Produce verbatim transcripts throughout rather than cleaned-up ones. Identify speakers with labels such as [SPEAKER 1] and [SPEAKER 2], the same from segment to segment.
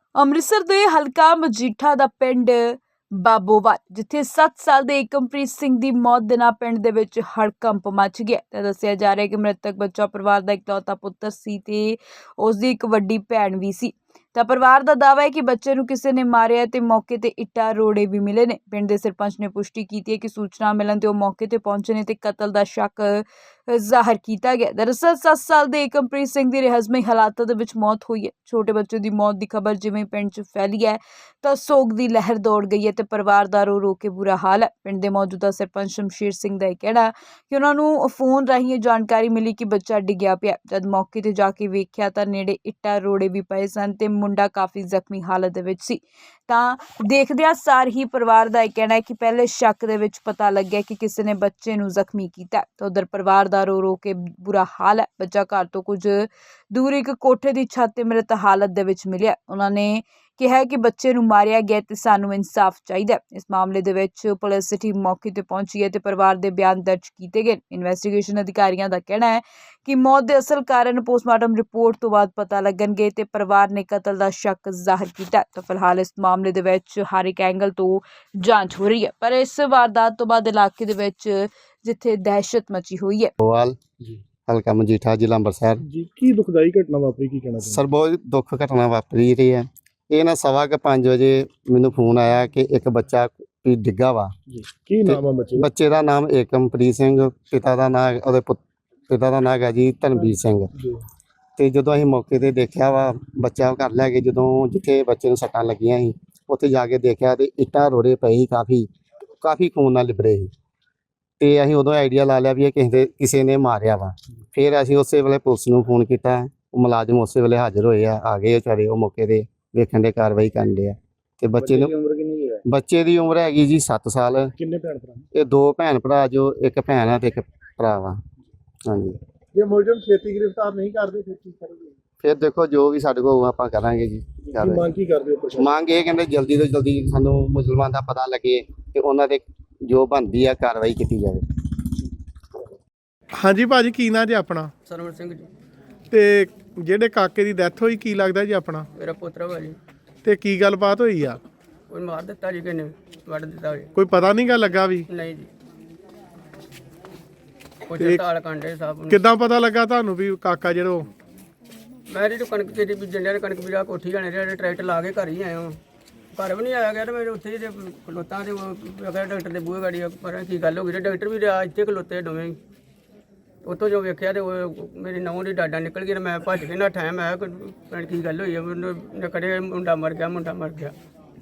[SPEAKER 1] ਅੰਮ੍ਰਿਤਸਰ ਦੇ ਹਲਕਾ ਮਜੀਠਾ ਦਾ ਪਿੰਡ ਬਾਬੋਵਾਲ, ਜਿੱਥੇ ਸੱਤ ਸਾਲ ਦੇ ਏਕਮਪ੍ਰੀਤ ਸਿੰਘ ਦੀ ਮੌਤ ਦੇ ਨਾਲ ਪਿੰਡ ਦੇ ਵਿੱਚ ਹੜਕੰਪ ਮਚ ਗਿਆ। ਤਾਂ ਦੱਸਿਆ ਜਾ ਰਿਹਾ ਹੈ ਕਿ ਮ੍ਰਿਤਕ ਬੱਚਾ ਪਰਿਵਾਰ ਦਾ ਇਕਲੌਤਾ ਪੁੱਤਰ ਸੀ ਤੇ ਉਸ ਦੀ ਇੱਕ ਵੱਡੀ ਭੈਣ ਵੀ ਸੀ। ਤਾਂ ਪਰਿਵਾਰ ਦਾ ਦਾਅਵਾ ਹੈ ਕਿ ਬੱਚੇ ਨੂੰ ਕਿਸੇ ਨੇ ਮਾਰਿਆ ਤੇ ਮੌਕੇ ਤੇ ਇੱਟਾਂ ਰੋੜੇ ਵੀ ਮਿਲੇ ਨੇ। ਪਿੰਡ ਦੇ ਸਰਪੰਚ ਨੇ ਪੁਸ਼ਟੀ ਕੀਤੀ ਹੈ ਕਿ ਸੂਚਨਾ ਮਿਲਣ ਤੇ ਉਹ ਮੌਕੇ ਤੇ ਪਹੁੰਚੇ ਨੇ ਤੇ ਕਤਲ ਦਾ ਸ਼ੱਕ ਜ਼ਾਹਰ ਕੀਤਾ ਗਿਆ। ਦਰਅਸਲ ਸੱਤ ਸਾਲ ਦੇ ਏਕਮਪ੍ਰੀਤ ਸਿੰਘ ਦੀ ਰਹੱਸਮਈ ਹਾਲਾਤਾਂ ਦੇ ਵਿੱਚ ਮੌਤ ਹੋਈ ਹੈ। ਛੋਟੇ ਬੱਚੇ ਦੀ ਮੌਤ ਦੀ ਖਬਰ ਜਿਵੇਂ ਪਿੰਡ 'ਚ ਫੈਲੀ ਹੈ ਤਾਂ ਸੋਗ ਦੀ ਲਹਿਰ ਦੌੜ ਗਈ ਹੈ ਤੇ ਪਰਿਵਾਰ ਦਾ ਰੋ ਰੋ ਕੇ ਬੁਰਾ ਹਾਲ ਹੈ। ਪਿੰਡ ਦੇ ਮੌਜੂਦਾ ਸਰਪੰਚ ਸ਼ਮਸ਼ੀਰ ਸਿੰਘ ਦਾ ਇਹ ਕਹਿਣਾ ਕਿ ਉਹਨਾਂ ਨੂੰ ਫੋਨ ਰਾਹੀਂ ਇਹ ਜਾਣਕਾਰੀ ਮਿਲੀ ਕਿ ਬੱਚਾ ਡਿੱਗਿਆ ਪਿਆ। ਜਦ ਮੌਕੇ ਤੇ ਜਾ ਕੇ ਵੇਖਿਆ ਤਾਂ ਨੇੜੇ ਇੱਟਾਂ ਰੋੜੇ ਵੀ ਪਏ ਸਨ ਤੇ ਮੁੰਡਾ ਕਾਫੀ ਜ਼ਖਮੀ ਹਾਲਤ ਦੇ ਵਿੱਚ ਸੀ। ਤਾਂ ਦੇਖਦਿਆਂ ਸਾਰ ਹੀ ਪਰਿਵਾਰ ਦਾ ਇਹ ਕਹਿਣਾ ਹੈ ਕਿ ਪਹਿਲੇ ਸ਼ੱਕ ਦੇ ਵਿੱਚ ਪਤਾ ਲੱਗਿਆ ਕਿ ਕਿਸੇ ਨੇ ਬੱਚੇ ਨੂੰ ਜ਼ਖਮੀ ਕੀਤਾ। ਤਾਂ ਉਧਰ ਪਰਿਵਾਰ ਦਾ ਰੋ ਰੋ ਕੇ ਬੁਰਾ ਹਾਲ ਹੈ। ਬੱਚਾ ਘਰ ਤੋਂ ਕੁਝ ਦੂਰ ਇੱਕ ਕੋਠੇ ਦੀ ਛੱਤ ਤੇ ਮ੍ਰਿਤ ਹਾਲਤ ਦੇ ਵਿੱਚ ਮਿਲਿਆ। ਉਹਨਾਂ ਨੇ ਕਿਹਾ ਕਿ ਬੱਚੇ ਨੂੰ ਮਾਰਿਆ ਗਿਆ ਤੇ ਸਾਨੂੰ ਇਨਸਾਫ ਚਾਹੀਦਾ। ਇਸ ਮਾਮਲੇ ਦੇ ਵਿੱਚ ਪੁਲਿਸ ਟੀਮ ਮੌਕੇ ਤੇ ਪਹੁੰਚੀ ਹੈ ਤੇ ਪਰਿਵਾਰ ਦੇ ਬਿਆਨ ਦਰਜ ਕੀਤੇ ਗਏ। ਇਨਵੈਸਟੀਗੇਸ਼ਨ ਅਧਿਕਾਰੀਆਂ ਦਾ ਕਹਿਣਾ ਹੈ ਕਿ ਮੌਤ ਦੇ ਅਸਲ ਕਾਰਨ ਪੋਸਟਮਾਰਟਮ ਰਿਪੋਰਟ ਤੋਂ ਬਾਅਦ ਪਤਾ ਲੱਗਣਗੇ ਤੇ ਪਰਿਵਾਰ ਨੇ ਕਤਲ ਦਾ ਸ਼ੱਕ ਜ਼ਾਹਰ ਕੀਤਾ। ਤਾਂ ਫਿਲਹਾਲ ਇਸ ਮਾਮਲੇ ਦੇ ਵਿੱਚ ਹਰ ਇੱਕ ਐਂਗਲ ਤੋਂ ਜਾਂਚ ਹੋ ਰਹੀ ਹੈ, ਪਰ ਇਸ ਵਾਰਦਾਤ ਤੋਂ ਬਾਅਦ ਇਲਾਕੇ ਦੇ ਵਿੱਚ ਜਿੱਥੇ ਦਹਿਸ਼ਤ ਮਚੀ ਹੋਈ ਹੈ।
[SPEAKER 2] ਬੋਵਾਲ ਜੀ ਹਲਕਾ ਮਜੀਠਾ ਜ਼ਿਲ੍ਹਾ ਅੰਮ੍ਰਿਤਸਰ
[SPEAKER 3] ਜੀ ਕੀ ਦੁਖਦਾਈ ਘਟਨਾ ਵਾਪਰੀ, ਕੀ ਕਹਿਣਾ ਚਾਹੁੰਦੇ
[SPEAKER 2] ਸਰ? ਬਹੁਤ ਦੁੱਖ ਘਟਨਾ ਵਾਪਰੀ ਰਹੀ ਹੈ। ਇਹ ਨਾ ਸਵਾ ਕੇ ਪੰਜ ਵਜੇ ਮੈਨੂੰ ਫੋਨ ਆਇਆ ਕਿ ਇੱਕ ਬੱਚਾ ਵੀ ਡਿੱਗਾ ਵਾ
[SPEAKER 3] ਜੀ? ਕੀ ਨਾਮ ਆ ਬੱਚੇ ਦਾ?
[SPEAKER 2] ਬੱਚੇ ਦਾ ਨਾਮ ਏਕਮਪ੍ਰੀਤ ਸਿੰਘ, ਪਿਤਾ ਦਾ ਨਾਮ ਉਹਦੇ ਪੁੱਤ ਪਿਤਾ ਦਾ ਨਾਮ ਹੈਗਾ ਜੀ ਧਨਵੀਰ ਸਿੰਘ।
[SPEAKER 3] ਜੀ
[SPEAKER 2] ਤੇ ਜਦੋਂ ਅਸੀਂ ਮੌਕੇ ਤੇ ਦੇਖਿਆ ਵਾ ਬੱਚਾ ਘਰ ਲੈ ਕੇ, ਜਦੋਂ ਜਿੱਥੇ ਬੱਚੇ ਨੂੰ ਸੱਟਾਂ ਲੱਗੀਆਂ ਸੀ ਉੱਥੇ ਜਾ ਕੇ ਦੇਖਿਆ ਤੇ ਇੱਟਾਂ ਰੋੜੇ ਪਏ ਸੀ, ਕਾਫੀ ਕਾਫੀ ਖੂਨ ਨਾਲ ਲਿਬੜੇ ਸੀ। ਤੇ ਅਸੀਂ ਉਦੋਂ ਆਈਡੀਆ ਲਾ ਲਿਆ ਵੀ ਇਹ ਕਿਸੇ ਦੇ ਕਿਸੇ ਨੇ ਮਾਰਿਆ ਵਾ। ਫਿਰ ਅਸੀਂ ਉਸੇ ਵੇਲੇ ਪੁਲਿਸ ਨੂੰ ਫੋਨ ਕੀਤਾ, ਉਹ ਮੁਲਾਜ਼ਮ ਉਸੇ ਵੇਲੇ ਹਾਜ਼ਰ ਹੋਏ ਆ ਆ ਗਏ ਵਿਚਾਰੇ ਉਹ ਮੌਕੇ ਤੇ ਵੇਖਣ ਦੇ ਕਾਰਵਾਈ ਕਰਨ ਦੇ ਆ। ਤੇ ਬੱਚੇ ਨੂੰ
[SPEAKER 3] ਉਮਰ ਕਿੰਨੀ ਹੈ?
[SPEAKER 2] ਬੱਚੇ ਦੀ ਉਮਰ ਹੈਗੀ ਜੀ ਸੱਤ ਸਾਲ।
[SPEAKER 3] ਕਿੰਨੇ ਭੈਣ ਭਰਾ?
[SPEAKER 2] ਇਹ ਦੋ ਭੈਣ ਭਰਾ, ਜੋ ਇੱਕ ਭੈਣ ਆ ਤੇ ਇੱਕ ਭਰਾ ਵਾ। ਹਾਂਜੀ,
[SPEAKER 3] ਜੇ ਮੁਲਜ਼ਮ ਛੇਤੀ ਗ੍ਰਿਫਤਾਰ ਨਹੀਂ ਕਰਦੇ ਫਿਰ ਕੀ ਕਰੋਗੇ?
[SPEAKER 2] ਫਿਰ ਦੇਖੋ ਜੋ ਵੀ ਸਾਡੇ ਕੋਲ ਆਪਾਂ ਕਰਾਂਗੇ ਜੀ।
[SPEAKER 3] ਕੀ ਮੰਗ ਕੀ ਕਰਦੇ ਹੋ ਪ੍ਰਸ਼ਾਸਨ?
[SPEAKER 2] ਮੰਗ ਇਹ ਕਹਿੰਦੇ ਜਲਦੀ ਤੋਂ ਜਲਦੀ ਸਾਨੂੰ ਮੁਸਲਮਾਨ ਦਾ ਪਤਾ ਲੱਗੇ ਤੇ ਉਹਨਾਂ ਦੇ ਜੋ ਬਣਦੀ ਆ ਕਾਰਵਾਈ ਕੀਤੀ ਜਾਵੇ।
[SPEAKER 3] ਹਾਂਜੀ ਭਾਜੀ, ਕੀ ਨਾਂ ਜੀ ਆਪਣਾ?
[SPEAKER 4] ਸਰਵਣ ਸਿੰਘ ਜੀ।
[SPEAKER 3] ਤੇ ਜਿਹੜੇ ਕਾਕੇ ਦੀ ਡੈਥ ਹੋਈ ਕੀ ਲੱਗਦਾ ਜੀ ਆਪਣਾ?
[SPEAKER 4] ਮੇਰਾ ਪੁੱਤਰ ਵਾ ਜੀ।
[SPEAKER 3] ਤੇ ਕੀ ਗੱਲਬਾਤ ਹੋਈ ਆ?
[SPEAKER 4] ਕੋਈ ਮਾਰ ਦਿੱਤਾ ਜੀ, ਕਿਨੇ ਵੱਢ ਦਿੱਤਾ ਜੀ?
[SPEAKER 3] ਕੋਈ ਪਤਾ ਨਹੀਂ ਗਾ ਲੱਗਾ ਵੀ?
[SPEAKER 4] ਨਹੀਂ ਜੀ, ਕੋਈ ਤਾਲ ਕਾਂਡੇ ਸਾਹਿਬ ਨੂੰ।
[SPEAKER 3] ਕਿੱਦਾਂ ਪਤਾ ਲੱਗਾ ਤੁਹਾਨੂੰ ਵੀ ਕਾਕਾ ਜਿਹੜਾ ਉਹ?
[SPEAKER 4] ਮੈਂ ਜਿਹੜੀ ਕਣਕ ਤੇਰੀ ਬੀਜਣ ਡਿਆ, ਕਣਕ ਬੀਜਾ ਕੋਠੀ ਜਾਣੇ ਜਿਹੜੇ ਟਰੈਕਟਰ ਲਾ ਕੇ ਘਰ ਹੀ ਆਇਆ ਹਾਂ। ਘਰ ਵੀ ਨਹੀਂ ਆਇਆ ਗਿਆ ਤੇ ਮੈਂ ਉੱਥੇ ਜੇ ਖਲੋਤਾ ਤੇ ਅਗਰ ਡਾਕਟਰ ਦੇ ਬੂਹੇ ਗਾੜੀ ਪਰ ਕੀ ਗੱਲ ਹੋ ਗਈ, ਡਾਕਟਰ ਵੀ ਰਿਹਾ ਇੱਥੇ ਖਲੋਤੇ ਦੋਵੇਂ। ਉੱਥੋਂ ਜੋ ਵੇਖਿਆ ਤੇ ਉਹ ਮੇਰੀ ਨਹੁੰ ਦੀ ਡਾਡਾ ਨਿਕਲ ਗਈ ਤੇ ਮੈਂ ਭੱਜ ਕੇ ਨੱਠਾ। ਮੈਂ ਕਿਹਾ ਕੀ ਗੱਲ ਹੋਈ ਹੈ? ਮੈਨੂੰ ਕੜੇ ਮੁੰਡਾ ਮਰ ਗਿਆ, ਮੁੰਡਾ ਮਰ ਗਿਆ।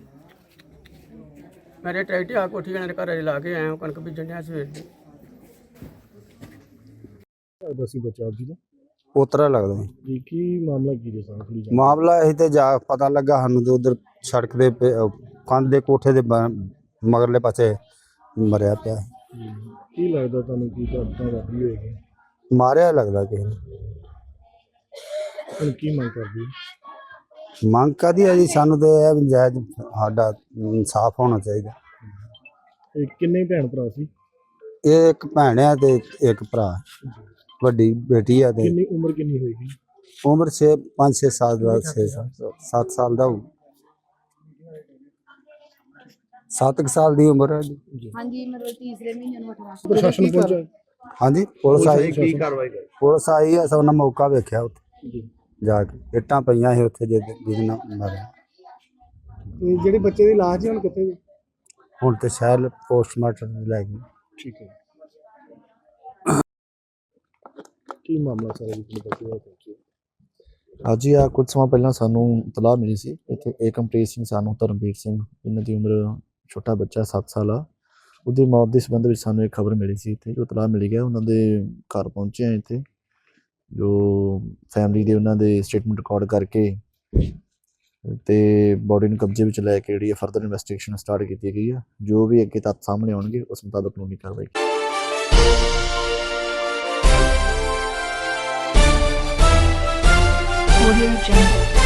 [SPEAKER 4] ਮੇਰੇ ਟਰੈਕਟਰ ਆ ਕੋਠੀ ਜਾਣੇ ਦੇ ਘਰ ਲਾ ਕੇ ਆਇਆ, ਕਣਕ ਬੀਜਣ ਡਿਆ ਸਵੇਰ ਦੀ।
[SPEAKER 3] ਬਸੀ ਬੱਚਾ ਜੀ ਦਾ
[SPEAKER 5] ਪੋਤਰਾ ਲੱਗਦਾ
[SPEAKER 3] ਜੀ। ਕੀ ਮਾਮਲਾ ਕੀ ਜੀ ਸਾਰਾ? ਥੋੜੀ
[SPEAKER 5] ਮਾਮਲਾ ਇਹ ਤੇ ਜਾ ਪਤਾ ਲੱਗਾ ਸਾਨੂੰ ਤੇ ਉਧਰ ਸੜਕ ਦੇ ਪੇ- ਅਹ ਕੰਧ ਦੇ ਕੋਠੇ ਦੇ ਬ- ਮਗਰਲੇ ਪਾਸੇ ਮਰਿਆ ਪਿਆ ਸੀ।
[SPEAKER 3] ਕੀ ਲੱਗਦਾ ਤੁਹਾਨੂੰ ਕੀ ਘਟਨਾ ਵਾਪਰੀ ਹੋਏਗੀ?
[SPEAKER 5] ਮਾਰਿਆ ਲੱਗਦਾ ਕਿਸੇ ਨੇ।
[SPEAKER 3] ਹੁਣ ਕੀ ਮੰਗ ਕਰਦੇ ਹੋ?
[SPEAKER 5] ਮੰਗ ਕਾਹਦੀ ਆ ਜੀ? ਸਾਨੂੰ ਤੇ ਇਹ ਵੀ ਜਾਇਜ਼ ਸਾਡਾ ਇਨਸਾਫ ਹੋਣਾ ਚਾਹੀਦਾ।
[SPEAKER 3] ਇਹ ਕਿੰਨੇ ਭੈਣ ਭਰਾ ਸੀ?
[SPEAKER 5] ਇਹ ਇੱਕ ਭੈਣ ਆ ਤੇ ਇੱਕ ਭਰਾ, ਵੱਡੀ ਬੇਟੀ ਆ ਤੇ
[SPEAKER 3] ਕਿੰਨੀ ਉਮਰ ਕਿੰਨੀ ਹੋਏਗੀ?
[SPEAKER 5] ਉਮਰ ਛੇ ਪੰਜ ਛੇ ਸਾਲ ਦਾ ਛੇ ਸਾਲ ਸੱਤ ਸਾਲ ਦਾ ਹੋਊ। ਸੱਤ ਕੁ ਸਾਲ ਦੀ ਉਮਰ ਹੈ ਜੀ।
[SPEAKER 6] ਹਾਂਜੀ, ਮਤਲਬ ਤੀਸਰੇ ਮਹੀਨੇ ਨੂੰ ਅਠਾਰਾਂ।
[SPEAKER 3] ਪ੍ਰਸ਼ਾਸਨ ਪਹੁੰਚਾ?
[SPEAKER 5] ਹਾਂਜੀ, ਪੁਲਿਸ ਆਈ।
[SPEAKER 3] ਕੀ ਕਾਰਵਾਈ ਕਰ?
[SPEAKER 5] ਪੁਲਿਸ ਆਈ ਆ, ਸਭ ਨੇ ਮੌਕਾ ਵੇਖਿਆ ਉੱਥੇ
[SPEAKER 3] ਜੀ।
[SPEAKER 5] ਜਾ ਕੇ। ਇੱਟਾਂ ਪਈਆਂ ਸੀ ਉੱਥੇ ਜਿਹਦੇ ਜਿਹਦੇ ਨਾਲ ਮਾਰਿਆ।
[SPEAKER 3] ਤੇ ਜਿਹੜੇ ਬੱਚੇ ਦੀ ਲਾਸ਼ ਹੈ ਹੁਣ ਕਿੱਥੇ ਜੀ?
[SPEAKER 5] ਹੁਣ ਤੇ ਸ਼ਾਇਦ ਪੋਸਟਮਾਰਟਮ ਲੈ ਗਏ।
[SPEAKER 3] ਠੀਕ ਹੈ। ਕੀ ਮਾਮਲਾ ਸਾਰਾ ਜੀ ਤੁਹਾਨੂੰ ਬੱਚੇ ਦਾ ਪਹੁੰਚੇ?
[SPEAKER 7] ਅੱਜ ਹੀ ਆ ਕੁਝ ਸਮਾਂ ਪਹਿਲਾਂ ਸਾਨੂੰ ਇਤਲਾਹ ਮਿਲੀ ਸੀ ਇੱਥੇ ਏਕਮਪ੍ਰੀਤ ਸਿੰਘ ਸਾਨੂੰ ਧਰਮਵੀਰ ਸਿੰਘ, ਇਹਨਾਂ ਦੀ ਉਮਰ ਛੋਟਾ ਬੱਚਾ ਸੱਤ ਸਾਲ ਆ, ਉਹਦੀ ਮੌਤ ਦੇ ਸੰਬੰਧ ਵਿੱਚ ਸਾਨੂੰ ਇੱਕ ਖਬਰ ਮਿਲੀ ਸੀ। ਇੱਥੇ ਜੋ ਇਤਲਾਹ ਮਿਲੀ ਗਿਆ ਉਹਨਾਂ ਦੇ ਘਰ ਪਹੁੰਚੇ ਆ। ਇੱਥੇ ਜੋ ਫੈਮਿਲੀ ਦੇ ਉਹਨਾਂ ਦੇ ਸਟੇਟਮੈਂਟ ਰਿਕਾਰਡ ਕਰਕੇ ਤੇ ਬੋਡੀ ਨੂੰ ਕਬਜ਼ੇ ਵਿੱਚ ਲੈ ਕੇ ਜਿਹੜੀ ਫਰਦਰ ਇਨਵੈਸਟੀਗੇਸ਼ਨ ਸਟਾਰਟ ਕੀਤੀ ਗਈ ਆ। ਜੋ ਵੀ ਅੱਗੇ ਤੱਥ ਸਾਹਮਣੇ ਆਉਣਗੇ ਉਸ ਮੁਤਾਬਕ ਕਾਨੂੰਨੀ ਕਾਰਵਾਈ
[SPEAKER 1] Audio Jungle।